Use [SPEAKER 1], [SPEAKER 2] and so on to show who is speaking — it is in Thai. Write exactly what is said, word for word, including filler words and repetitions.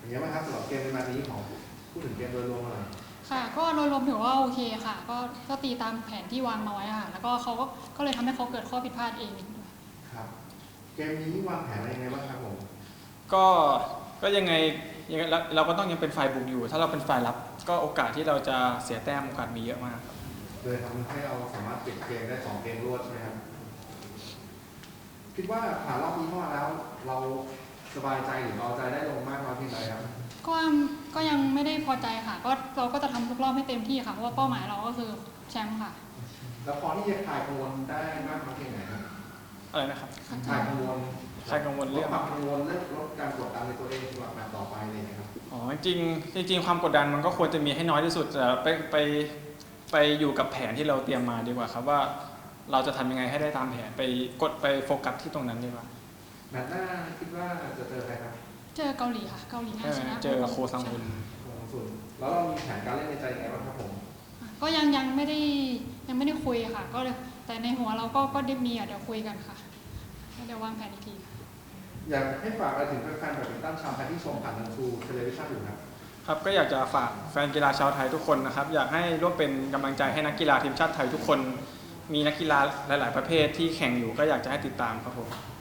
[SPEAKER 1] อย่างนี้ไหมครับสำหรับเกมในมานี้ของพูดถึงเกมโดยรวมหน่อย
[SPEAKER 2] ค่ะก็โดยรวมถือว่าโอเคค่ะก็ก็ตีตามแผนที่วางมาไว้ค่ะแล้วก็เขาก็ก็เลยทำให้เขาเกิดข้อผิดพลาดเอง
[SPEAKER 1] ครับเกมนี้วางแผนอะไรยังไงบ้างครับผม
[SPEAKER 3] ก็ก็ยังไงยังไงเราเราก็ต้องยังเป็นฝ่ายบุกอยู่ ถ้าเราเป็นฝ่ายรับก็โอกาสที่เราจะเสียแต้มโอกาสมีเยอะมากครับ
[SPEAKER 1] โดยทำให้เราสามารถปิดเกมได้สองเกมรวดใช่ไหมครับคิดว่าผ่านรอบนี้เข้ามาแล้ว เราสบายใจหรือเราใจได้ลงมากน้อยเพียงใดครับ
[SPEAKER 2] ก็ก็ยังไม่ได้พอใจค่ะก็เราก็จะทำทุกรอบให้เต็มที่ค่ะเพราะว่าเป้าหมายเราก็คือแชมป์ค่ะ
[SPEAKER 1] แล้วพอที่จะคลายกังวลได้มากน้อยเพียงไหนครับ
[SPEAKER 3] อะไรนะครับ
[SPEAKER 1] คลายกังวล
[SPEAKER 3] ใครกังวลเรื่อง
[SPEAKER 1] ความกังวลเรื่องลดการกดดันในตัวเองสำหรับแมตช์ต่อไปเลยนะครับ
[SPEAKER 3] อ๋อจริงจริงความกดดันมันก็ควรจะมีให้น้อยที่สุดแต่ไปไปไปอยู่กับแผนที่เราเตรียมมาดีกว่าครับว่าเราจะทำยังไงให้ได้ตามแผนไปกดไปโฟกัสที่ตรงนั้นดีกว่า
[SPEAKER 1] แมตช์หน้าคิดว่าจะเจอใครครับ
[SPEAKER 2] เจอเกาหลีค่ะเกาหลีน่าชนะ
[SPEAKER 3] เจอโคซังฮุน
[SPEAKER 1] แล้วเรามีแผนการเล่นในใจยังไงบ้างครับผม
[SPEAKER 2] ก็ยังยังไม่ได้ยังไม่ได้คุยค่ะก็เลยแต่ในหัวเราก็ก็ได้มีอ่ะเดี๋ยวคุยกันค่ะเดี๋ยววางแผนอีกที
[SPEAKER 1] อยากให้ฝากอะไรถึงแฟนๆแบดมินตันชาวไทยที่ชมผ่านทางทูเทเลวิชั่นอยู่ครับ
[SPEAKER 3] ครับก็อยากจะฝากแฟนกีฬาชาวไทยทุกคนนะครับอยากให้ร่วมเป็นกำลังใจให้นักกีฬาทีมชาติไทยทุกคนมีนักกีฬาหลายๆประเภทที่แข่งอยู่ก็อยากจะให้ติดตามครับผม